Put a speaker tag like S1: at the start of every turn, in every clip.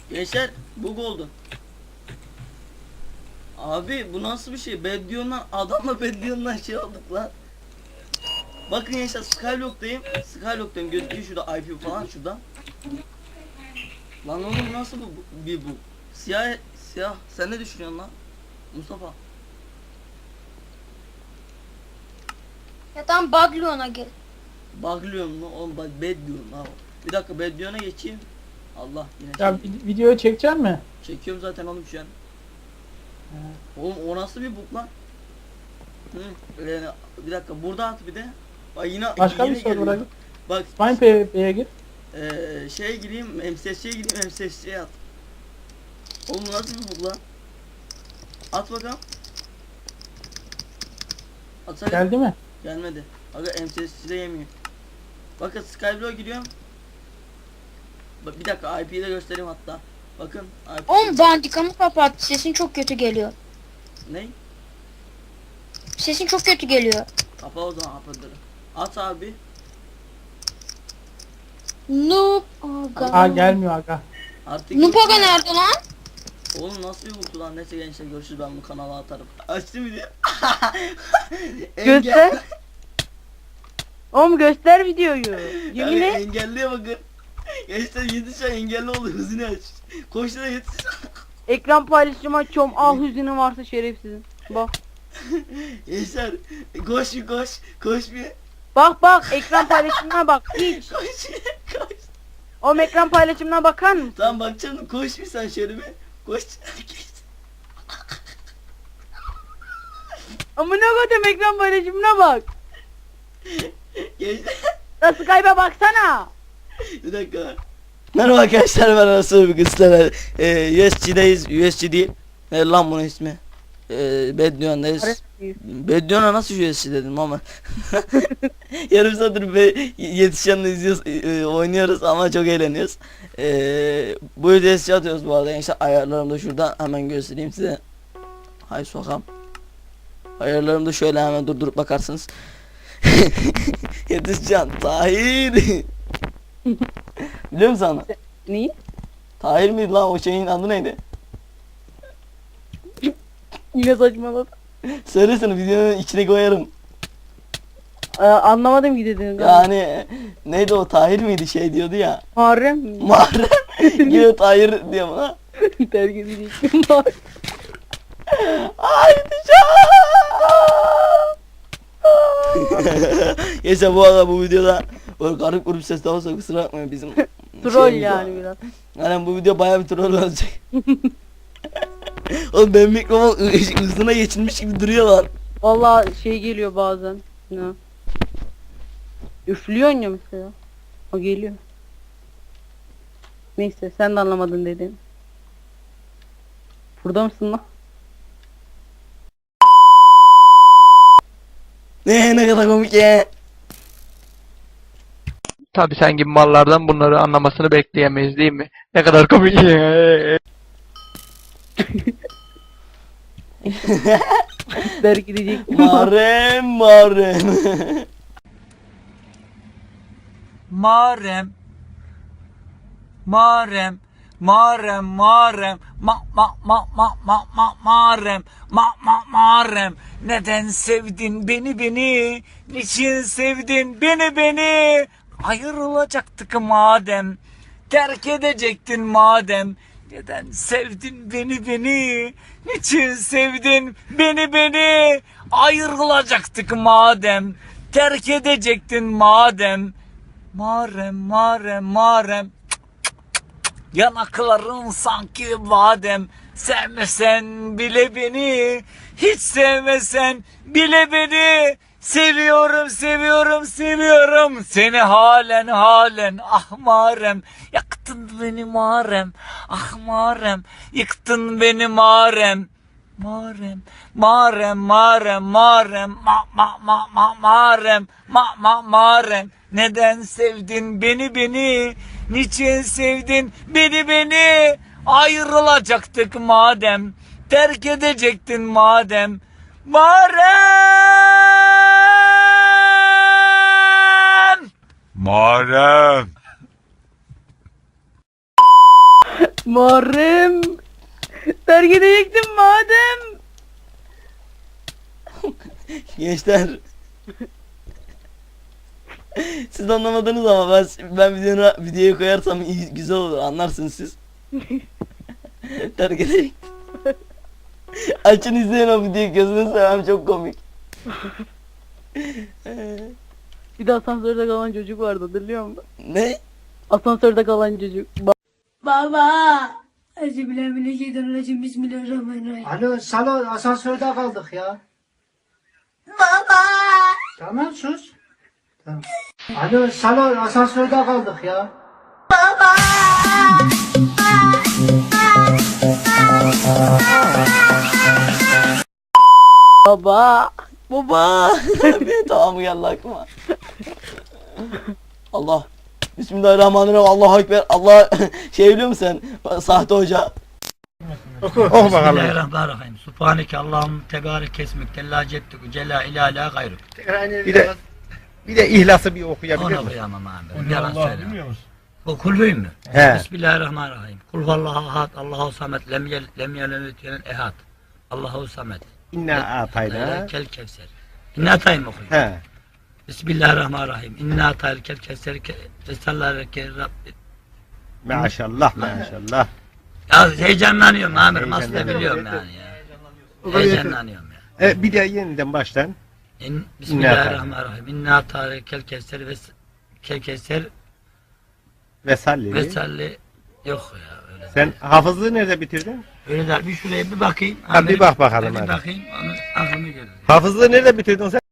S1: Gençler bug oldu. Abi bu nasıl bir şey? Beddion'dan adamla Beddion'dan şey olduk lan. Bakın gençler Skyblock'tayım. Skyblock'tayım gözüküyor şurada IP falan şurada. Lan oğlum nasıl bir bu? Siyah siyah sen ne düşünüyorsun lan? Mustafa.
S2: Ya tamam Baglion'a gel.
S1: Baglıyorum mu? Oğlum bak Beddion'um abi. Bir dakika Beddion'a geçeyim. Allah yine
S3: Ya
S1: şey.
S3: videoyu çekecek mi?
S1: Çekiyorum zaten oğlum şu an. Oğlum o nasıl bir bug lan? Hı, bir dakika burada at bir de. Bak yine
S3: Başka
S1: yine
S3: bir soru
S1: geliyor.
S3: bırak.
S1: Bak
S3: Spine PvP'ye gir.
S1: şeye gireyim MSS'ye gireyim MSS'ye at. Oğlum bu nasıl bir bug lan? At bakalım. Atsana.
S3: Geldi mi?
S1: Gelmedi. Aga MSS'de yemiyor. Bakın Skyblock'a giriyorum. Bak bir dakika IP'yi de göstereyim hatta. Bakın IP.
S2: Oğlum bandikamı kapat. Sesin çok kötü geliyor.
S1: Ne?
S2: Sesin çok kötü geliyor.
S1: Kapa o zaman apırları. At abi.
S2: Noob aga.
S3: Aa gelmiyor aga.
S1: Artık
S2: Noob
S1: yok
S2: aga
S1: ya.
S2: nerede lan?
S1: Oğlum nasıl bir bug'tu lan? Neyse gençler görüşürüz, ben bu kanala atarım. Açtım video.
S4: Göster. Oğlum göster videoyu. Yemin et.
S1: Engelliye bakın. Gençler yetiş ya, engelli oldu, hızını aç. Koş da yetiş.
S4: Ekran paylaşımı açıyorum. Al hüznün varsa şerefsizin. Bak.
S1: Gençler koş bir koş. Koş bir.
S4: Bak ekran paylaşımına bak. Hiç.
S1: Koş bir. Koş.
S4: Oğlum ekran paylaşımına bakar mısın?
S1: Tamam bakacağım, koş bir sen şöyle bir. Koş.
S4: Amına koydum ekran paylaşımına bak.
S1: Gençler.
S4: Ya Skype'a baksana.
S1: Bir dakika. Merhaba arkadaşlar, ben Arası bir kızlar. USG'deyiz. USG değil. Ne lan bunun ismi? Beddion'dayız. Beddion'a nasıl USG dedim ama. Yarım saattir yetişenle izliyoruz, oynuyoruz ama çok eğleniyoruz. Bu videoyu USG atıyoruz bu arada. İşte ayarlarım da şurada, hemen göstereyim size. Hay sokam. Ayarlarım da şöyle, hemen durdurup bakarsınız. Yetişcan Tahir. Biliyor musun sana?
S4: Neyi?
S1: Tahir miydi lan, o şeyin adı neydi?
S4: Yine saçmaladım.
S1: Söylesene, videonun içine koyarım.
S4: Anlamadım ki dediğini.
S1: Yani neydi o, Tahir miydi, şey diyordu ya.
S4: Muharrem mi?
S1: Muharrem. Yine Tahir diyor bana.
S4: Terk edecektim. Muharrem.
S1: Ay Neyse bu arada bu videoda böyle garip grup ses de olsa kusura bakmayın, bizim
S4: Troll
S1: şeyimiz
S4: yani
S1: var.
S4: biraz.
S1: Yani bu video bayağı bir troll olacak. Oğlum benim mikrofon hızına geçilmiş gibi duruyor lan.
S4: Vallahi şey geliyor bazen. Ne? Üflüyorsun ya mesela. O geliyor. Neyse sen de anlamadın dedin. Burada mısın lan?
S1: Ne kadar komik ya.
S5: Tabii sen gibi mallardan bunları anlamasını bekleyemeyiz değil mi? Ne kadar komik.
S4: Terk edecektim.
S1: Marem.
S6: Marem Marem Marem Marem Marem Marem, neden sevdin beni, niçin sevdin beni, ayrılacaktık madem, terk edecektin madem, neden sevdin beni, niçin sevdin beni, ayrılacaktık madem, terk edecektin madem. Marem yanakların sanki badem, sevmesen bile beni, hiç sevmesen bile beni, seviyorum seni halen, ah Marem, yaktın beni Marem, ah Marem, yıktın beni Marem. Marem neden sevdin beni, niçin sevdin beni, ayrılacaktık madem, terk edecektin madem. Marem
S4: Muharrem. Terk edecektim madem.
S1: Gençler. Siz anlamadınız ama ben videoyu koyarsam iyi, güzel olur, anlarsınız siz. Terk edeyim. Açın izleyin o videoyu, gözünü seveyim, çok komik.
S4: Bir de asansörde kalan çocuk vardı, hatırlıyor musun?
S1: Ne?
S4: Asansörde kalan çocuk.
S7: Baba. Euzubillahimineşşeytanirracim. Bismillahirrahmanirrahim.
S3: Alo salon asansörde kaldık ya.
S7: Baba.
S3: Tamam sus. Tamam. Alo salon asansörde kaldık ya.
S4: Baba.
S1: Baba. Bir tamam geldi aklıma. Allah. Bismillahirrahmanirrahim. Allahu Ekber. Allah şey biliyor musun sen? Sahte hoca.
S6: Bismillahirrahmanirrahim. Subhaneke Allahum tebarek esmek tella ceddük cella ilahe gayruk.
S8: Bir de ihlası bir okuyabilir
S6: Onu
S8: misin?
S6: okuyamam abi. Yalan söyleme. O kulbuyum mu?
S8: He.
S6: Bismillahirrahmanirrahim. Kul huvallahu ahad, Allahu samet, lem yelid ve lem ehad. Allahu samet.
S8: İnna atayna.
S6: Kel kevser. İnna atayım okuyun.
S8: He.
S6: Bismillahirrahmanirrahim. İnna atayl kel kevser vesallareke Rabbi.
S8: Maşallah maşallah.
S6: Ya heyecanlanıyorum amirim. Aslında biliyorum yani ya. Heyecanlanıyorum ya.
S8: Bir de yeniden baştan.
S6: Bismillahirrahmanirrahim. İnna atayl kel kevser
S8: Vesalli.
S6: vesalli. Yok ya öyle.
S8: Sen hafızlığı nerede bitirdin?
S6: Öyle der. Bir şuraya bir bakayım.
S8: Ha, bir bak bakalım
S6: Bir
S8: hadi.
S6: bakayım. Onu aklımı görür.
S8: Hafızlığı nerede bitirdin sen?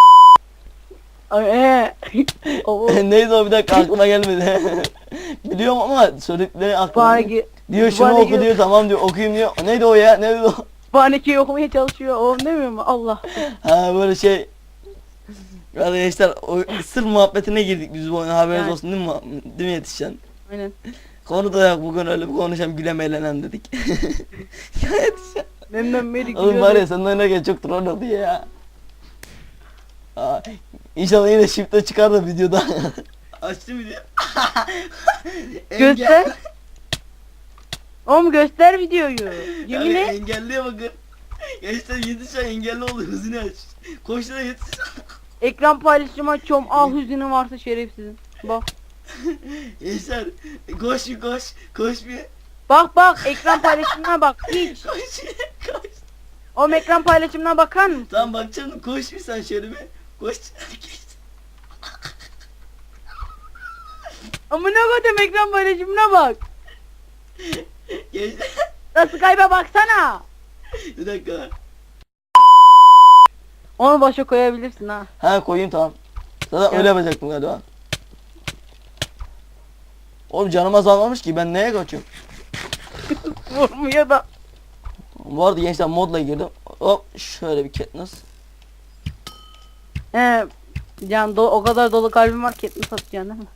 S4: O
S1: Neydi o, bir dakika aklıma gelmedi. Biliyorum ama söyledikleri aklıma.
S4: Kütüphaneki.
S1: Diyor şunu oku diyor, tamam diyor, okuyayım diyor. Neydi o ya? Neydi o?
S4: Kütüphanekeyi okumaya çalışıyor. O demiyor mu? Allah.
S1: Ha böyle şey. Arkadaşlar o sır muhabbetine girdik biz bu oyuna, haberiniz
S4: Yani.
S1: olsun değil mi, değil mi yetişen?
S4: Aynen.
S1: Konu da yok bugün, öyle bir konuşalım, gülem eğlenem dedik. Ya yetişen.
S4: Memnun beri
S1: Oğlum var ya senin oynarken çok troll oldu ya. Aa, İnşallah yine shift'e çıkar da videoda. Açtım video.
S4: Göster. Oğlum göster videoyu. Yemin
S1: Yani
S4: et.
S1: engelliye bakın. Gençler yetişen engelli oldu, hızını aç. Koş da yetiş.
S4: Ekran paylaşımı açıyorum. Al hüznün varsa şerefsizin. Bak.
S1: Gençler koş bir koş. Koş bir.
S4: Bak ekran paylaşımına bak. Hiç.
S1: Koş. Koş.
S4: Oğlum ekran paylaşımına bakar mısın?
S1: Tamam bakacağım, koş bir sen şöyle bir. Koş.
S4: Amına koydum ekran paylaşımına bak.
S1: Gençler.
S4: Da Skype'a baksana.
S1: Bir dakika.
S4: Onu başa koyabilirsin ha.
S1: Ha koyayım, tamam. Zaten
S4: Ya.
S1: öyle yapacaktım galiba. Oğlum canım azalmamış ki, ben neye kaçıyorum?
S4: Vurmuyor da.
S1: Bu arada gençler modla girdim. Hop şöyle bir Katniss.
S4: He. Can o kadar dolu kalbim var ki etini satacaksın değil mi?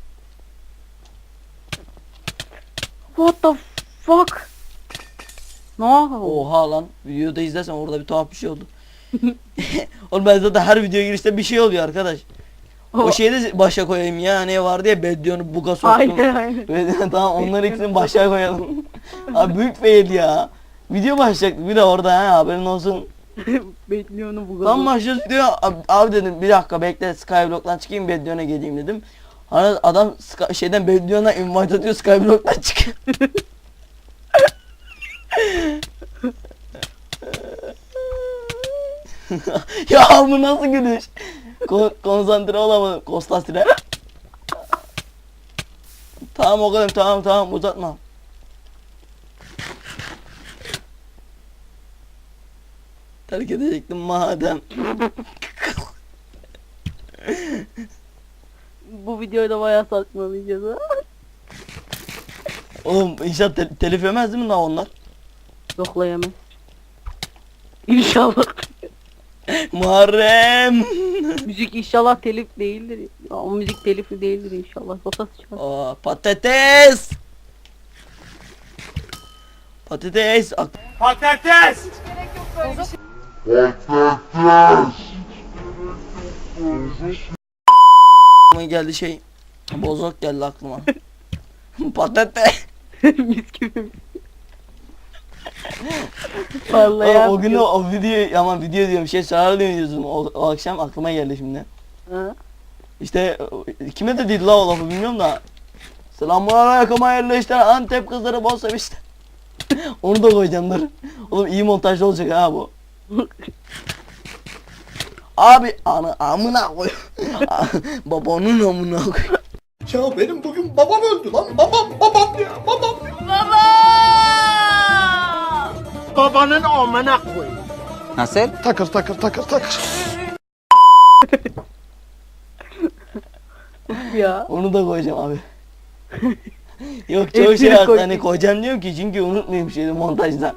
S4: What the fuck? Ne oldu?
S1: Oha lan, videoda izlersen orada bir tuhaf bir şey oldu. Oğlum ben zaten her video girişte bir şey oluyor arkadaş. O şeyi de başa koyayım ya, ne vardı ya, Beddion'u buga soktum.
S4: Aynen.
S1: Tamam, onları ikisini başa koyalım. Abi büyük fail ya. Video başlayacaktık bir de orada, ha haberin olsun.
S4: Bekliyorum bu
S1: Tam başlıyoruz diyor, abi dedim bir dakika bekle, Skyblock'tan çıkayım Beddion'a geleyim dedim. Hani adam şeyden Beddion'a invite atıyor, Skyblock'tan çıkıyor. Ya bu nasıl gülüş? Konsantre olamadım. Kostasire. Tamam o kadar, tamam uzatma. Terk edecektim madem.
S4: Bu videoyu da bayağı saçmalayacağız ha.
S1: Oğlum inşallah telif yemez değil mi lan onlar?
S4: Yoklayamaz. İnşallah.
S1: Muharrem.
S4: Müzik inşallah telif değildir. Ya, o müzik telifi değildir inşallah. Sokası çıkar.
S1: Aa, patates. Patates.
S6: Patates!
S1: Aklıma geldi şey. Bozok geldi aklıma. Patates.
S4: Mis gibi. Vallahi
S1: O gün
S4: yapıyor.
S1: o video ama video diyorum şey Sarı dönüyorsun o akşam aklıma geldi şimdi.
S4: Ha?
S1: İşte kime dediydi la o lafı bilmiyorum da. Selamünaleyküm hayırlı işler Antep kızları bol sevişte. Onu da koyacağım dur. Oğlum iyi montajlı olacak ha bu. Abi amına koy. Babanın amına koy.
S3: Ya benim bugün babam öldü lan. Babam ya babam.
S8: Babanın amına koy.
S4: Ya.
S1: Onu da koyacağım abi. Yok çoğu
S4: Hepsini
S1: şey
S4: koy.
S1: hani koyacağım diyorum ki çünkü unutmayayım şeyi montajda.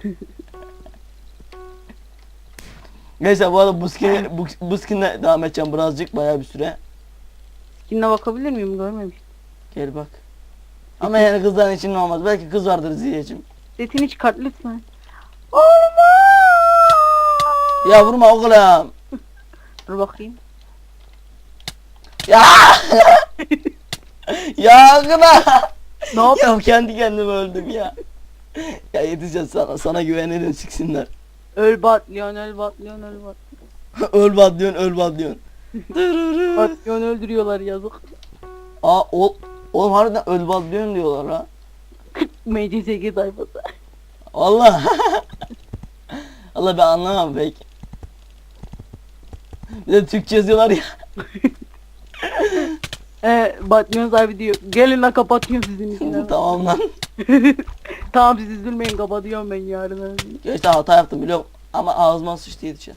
S1: Neyse bu arada bu skin'le devam edeceğim birazcık bayağı bir süre.
S4: Skin'e bakabilir miyim? Görmemiştim.
S1: Gel bak. Ama yani kızların için olmaz. Belki kız vardır Ziyeciğim.
S4: Setini çıkart lütfen.
S1: Ya vurma oğlum.
S4: Dur bakayım.
S1: Ya. Ya kına.
S4: Ne yap?
S1: Ya kendi kendime öldüm ya. Ya yetişeceğiz sana güvenelim siksinler.
S4: Öl batlıyorsun, öl batlıyorsun, öl batlıyorsun.
S1: Öl badlıyorsun öl badlıyorsun. Dırırı.
S4: Batlıyorsun öldürüyorlar yazık.
S1: Aa oğlum harbiden öl badlıyorsun diyorlar ha.
S4: MCSG sayfası.
S1: Allah. Allah ben anlamam pek. Bir de Türkçe yazıyorlar ya.
S4: Batlıyorsun sahibi diyor. Gelin lan kapatıyorum sizin için.
S1: Tamam lan.
S4: Tamam siz üzülmeyin kapatıyorum ben yarın.
S1: Gerçekten hata yaptım biliyorum. Ama ağzıma sıçtı yetişen.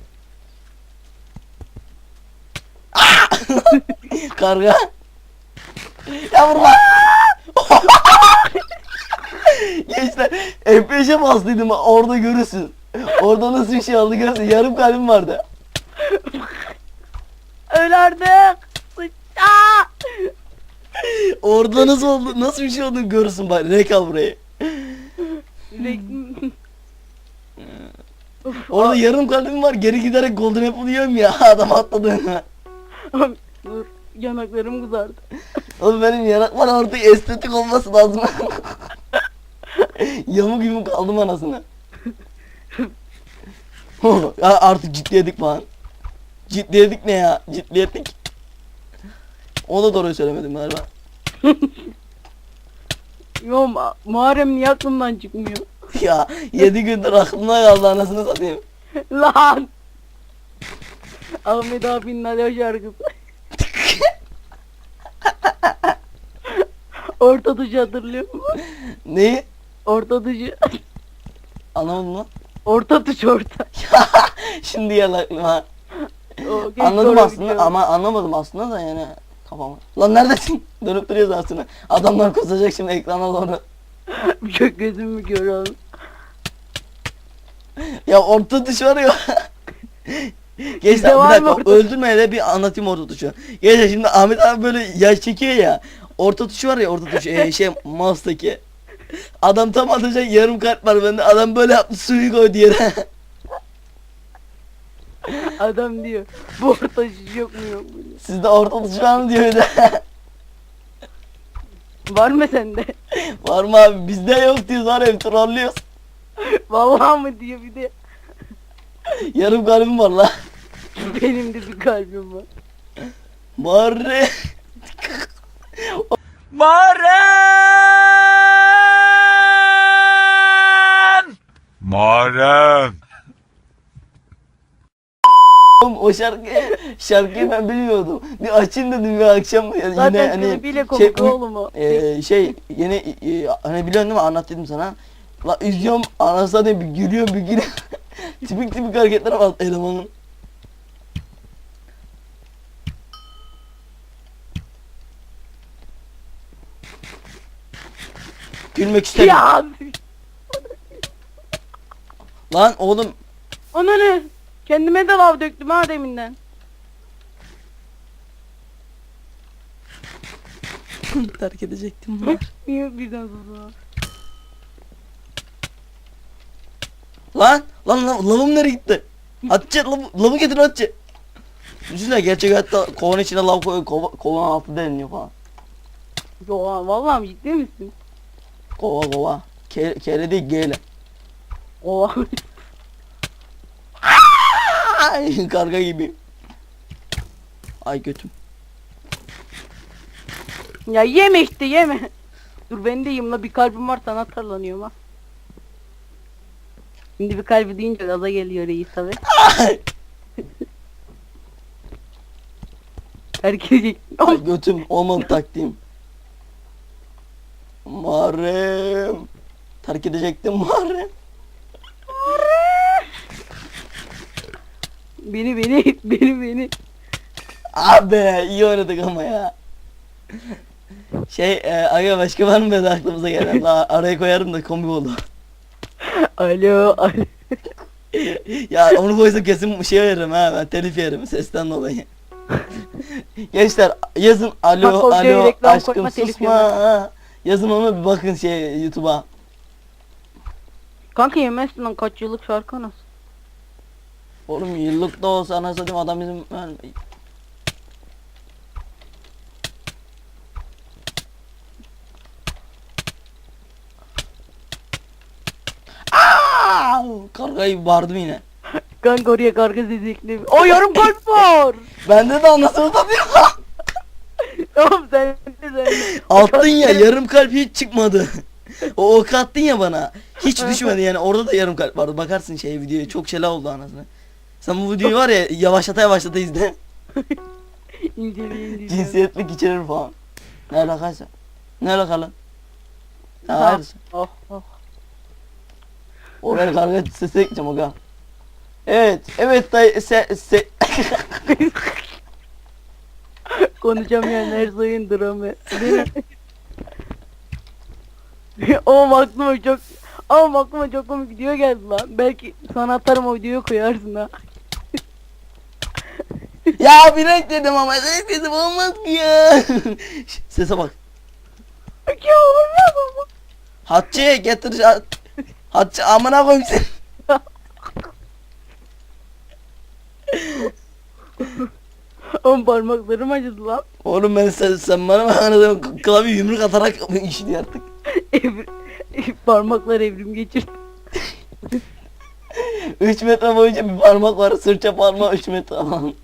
S1: Karga. Ya vurma. Gençler F5'e bastıydım orada görürsün. Orada nasıl bir şey oldu görürsün. Yarım kalbim vardı.
S4: Öl artık. Sıçta.
S1: Orada nasıl oldu nasıl bir şey olduğunu görürsün bak. Rek al burayı. Orada yarım kalbim var. Geri giderek golden apple yiyorum ya. Adam atladı.
S4: Dur yanaklarım kızardı.
S1: Oğlum benim yanaklar artık estetik olması lazım. Yamuk yumuk kaldım anasını. Ya artık ciddiyedik falan. Ciddiyedik ne ya? Ciddiyedik. O da doğruyu söylemedim galiba.
S4: Yo Muharrem niye aklımdan çıkmıyor?
S1: Ya 7 gündür aklımda kaldı anasını satayım.
S4: Lan. Ahmet abinin alo şarkısı. Orta dışı hatırlıyor musun?
S1: Neyi?
S4: Orta dışı.
S1: Anlamadım lan.
S4: Orta dışı orta.
S1: Şimdi geldi aklıma.
S4: O, keşke
S1: Anladım
S4: oraya
S1: aslında
S4: gidiyorum.
S1: ama anlamadım aslında da yani kafama. Lan neredesin? Dönüp duruyoruz aslında. Adamlar kusacak şimdi ekrana doğru.
S4: Çok gözümü görüyorum.
S1: Ya orta tuş var ya. Gençler
S4: Sizde
S1: bir
S4: var mı
S1: dakika
S4: orta-
S1: öldürmeye de bir anlatayım orta tuşu. Gençler şimdi Ahmet abi böyle yaş çekiyor ya. Orta tuşu var ya orta tuş şey mouse'daki. Adam tam atacak yarım kalp var bende. Adam böyle yaptı suyu koydu yere.
S4: Adam diyor. Bu orta dışı yok mu yok mu?
S1: Sizde orta tuş var mı diyor bir de.
S4: Var mı sende?
S1: Var mı abi bizde yok diyoruz var ya trollüyoruz.
S4: Vallahi mı diyor bir de.
S1: Yarım kalbim var la.
S4: Benim de bir kalbim var.
S1: Bari.
S9: Muharrem!
S1: Oğlum o şarkıyı ben bilmiyordum. Bir açayım dedim bir akşam yani
S4: Zaten
S1: yine hani
S4: klibiyle komik
S1: şey,
S4: oğlum o.
S1: şey yeni hani biliyorsun değil mi anlat dedim sana. La izliyorum anasını bir gülüyorum bir gülüyorum. tipik hareketler var elemanın. Gülmek istemiyorum.
S4: Ya.
S1: Lan oğlum
S4: Ona ne? Kendime de lav döktüm ha deminden.
S1: terk edecektim var.
S4: Niye birden susma?
S1: Lan lavım nereye gitti? Atçı lavı getir atçı. Düşünsene gerçek hayatta kovan içine lav koyuyor kovan altı deliniyor falan.
S4: Yo vallahi mi ciddi misin?
S1: Kova kova. Kere değil geyle.
S4: Oha.
S1: Ay, karga gibi. Ay götüm.
S4: Ya yeme işte yeme. Dur ben de yiyeyim la, bir kalbim var sana tarlanıyorum ha. Şimdi bir kalbi deyince gaza geliyor reis tabi.
S1: Ay,
S4: Terk edecek.
S1: ay götüm olmadı taktiğim. Muharrem. Terk edecektim Muharrem.
S4: Beni.
S1: Abi iyi oynadık ama ya. Aga başka var mı be de aklımıza gelen? Araya koyarım da komik oldu.
S4: Alo.
S1: Ya onu koysam kesin şey veririm ha, ben telif yerim sesten dolayı. Gençler yazın
S4: Bak, o
S1: alo
S4: videoya reklam
S1: aşkım
S4: koyma, telif
S1: susma. Yazın onu bir bakın YouTube'a.
S4: Kanka yemezsin lan, kaç yıllık şarkı nasıl?
S1: Oğlum yıllık da olsa anasını satayım adam bizim yani... Aa! Kargayı bağırdım yine.
S4: Kanka oraya karga sesli. O yarım kalp var.
S1: Bende de anasını satayım.
S4: Oğlum sen de.
S1: Attın ya yarım kalp hiç çıkmadı. O ok attın ya bana. Hiç düşmedi yani, orada da yarım kalp vardı. Bakarsın videoya çok şeyler oldu anasını. Sen bu videoyu var ya yavaşlata izle.
S4: İnceleyin.
S1: Cinsiyetlik içerir falan. Ne alakaysa. Ne alakalı? Ha, hayır.
S4: Oh.
S1: Oraya karga sesi ekleyeceğim aga. Evet dayı
S4: Konuşamayan her sayın dramı. Ama aklıma çok komik video geldi lan. Belki sana atarım, o videoyu koyarsın ha.
S1: Ya bir renk dedim ama renk dedim olmaz ki ya. Sese bak.
S4: Ya olmaz ama.
S1: Hatice getir Hatice amına koyayım seni.
S4: Oğlum parmaklarım acıdı lan.
S1: Oğlum sen bana bak anladım, klavye yumruk atarak işini artık.
S4: Parmaklar evrim geçirdi.
S1: 3 metre boyunca bir parmak var, sırça parmağı 3 metre falan.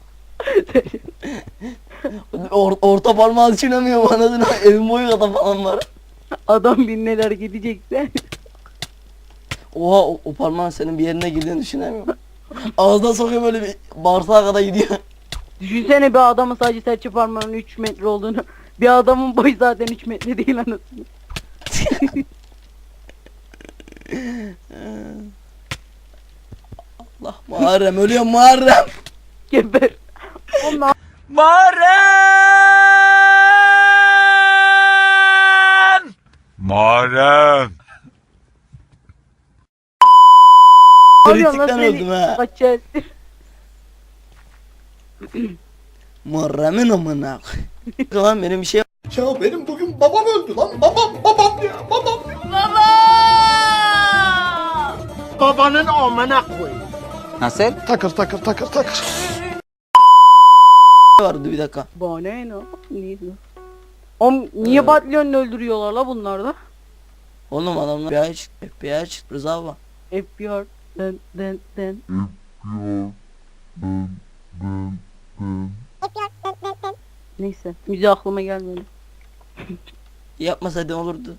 S1: Orta parmağı düşünemiyorum anladın mı? Evin boyu kadar falan var.
S4: Adam bin neler gidecekse.
S1: Oha o parmağın senin bir yerine girdiğini düşünemiyorum. Ağzına sokuyor böyle bir bağırsağa kadar gidiyor.
S4: Düşünsene bir adamın sadece serçe parmağının 3 metre olduğunu. Bir adamın boyu zaten 3 metre değil anasını.
S1: Allah Muharrem ölüyor Muharrem.
S4: Geber. Onlar
S8: Muharrem!
S1: Kritikten öldüm ha.
S4: Kaçar.
S1: Muharrem'in amına. Lan benim bir şey
S8: Ya benim bugün babam öldü lan. Babam ya. Baba! Babanın amına koy.
S1: vardı bir dakika.
S4: Bana ne? Neydi? Oğlum niye Batlion'u öldürüyorlar la bunlar da?
S1: Oğlum adamlar FBI çıktı Rıza baba.
S4: FBR. Den. Neyse, müziği aklıma gelmedi.
S1: Yapmasaydı olurdu.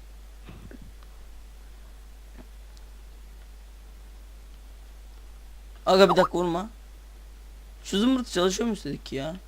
S1: Aga bir dakika vurma. Şu zımbırt çalışıyor mu istedik ki ya?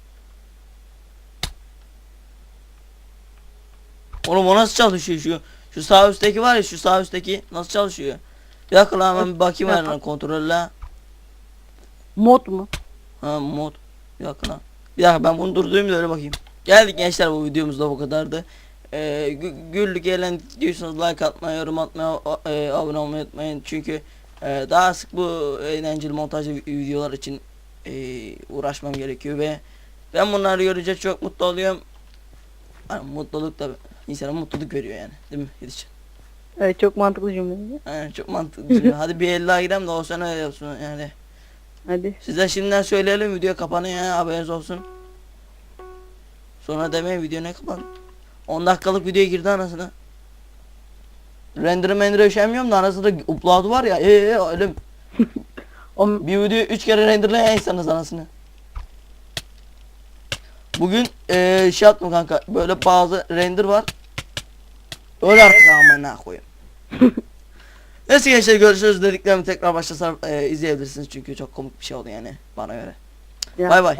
S1: Oğlum o nasıl çalışıyor şu sağ üstteki var ya, şu sağ üstteki nasıl çalışıyor? Bir dakika lan hemen bir bakayım hemen kontrolle.
S4: Mod mu?
S1: Ha mod. Bir dakika lan. Bir dakika ben bunu durdurayım da öyle bakayım. Geldik gençler, bu videomuzda bu kadardı. Güldük eğlendik diyorsanız like atmayı, yorum atmayı, abone olmayı unutmayın. Çünkü daha sık bu eğlenceli montajlı videolar için uğraşmam gerekiyor ve ben bunları görünce çok mutlu oluyorum. Yani mutluluk da insana mutluluk veriyor yani, değil mi Yedişcan?
S4: Evet, çok mantıklı cümle.
S1: Yani çok mantıklı. Hadi bir 50'a gidelim de o sene öyle yapsın yani.
S4: Hadi.
S1: Size şimdiden söyleyelim, video kapanıyor ya, haberiniz olsun. Sonra demeyin video ne kapandı. 10 dakikalık videoya girdi anasını. Render üşenmiyorum da arasında upload var ya ölüm.
S4: O
S1: Bir videoyu 3 kere renderlayan insanız anasını. Bugün şey yaptım kanka, böyle bazı render var. Öyle artık amına koyayım. Neyse gençler, görüşürüz. Dediklerimi tekrar başlasam izleyebilirsiniz çünkü çok komik bir şey oldu yani bana göre.
S4: Ya.
S1: Bay bay.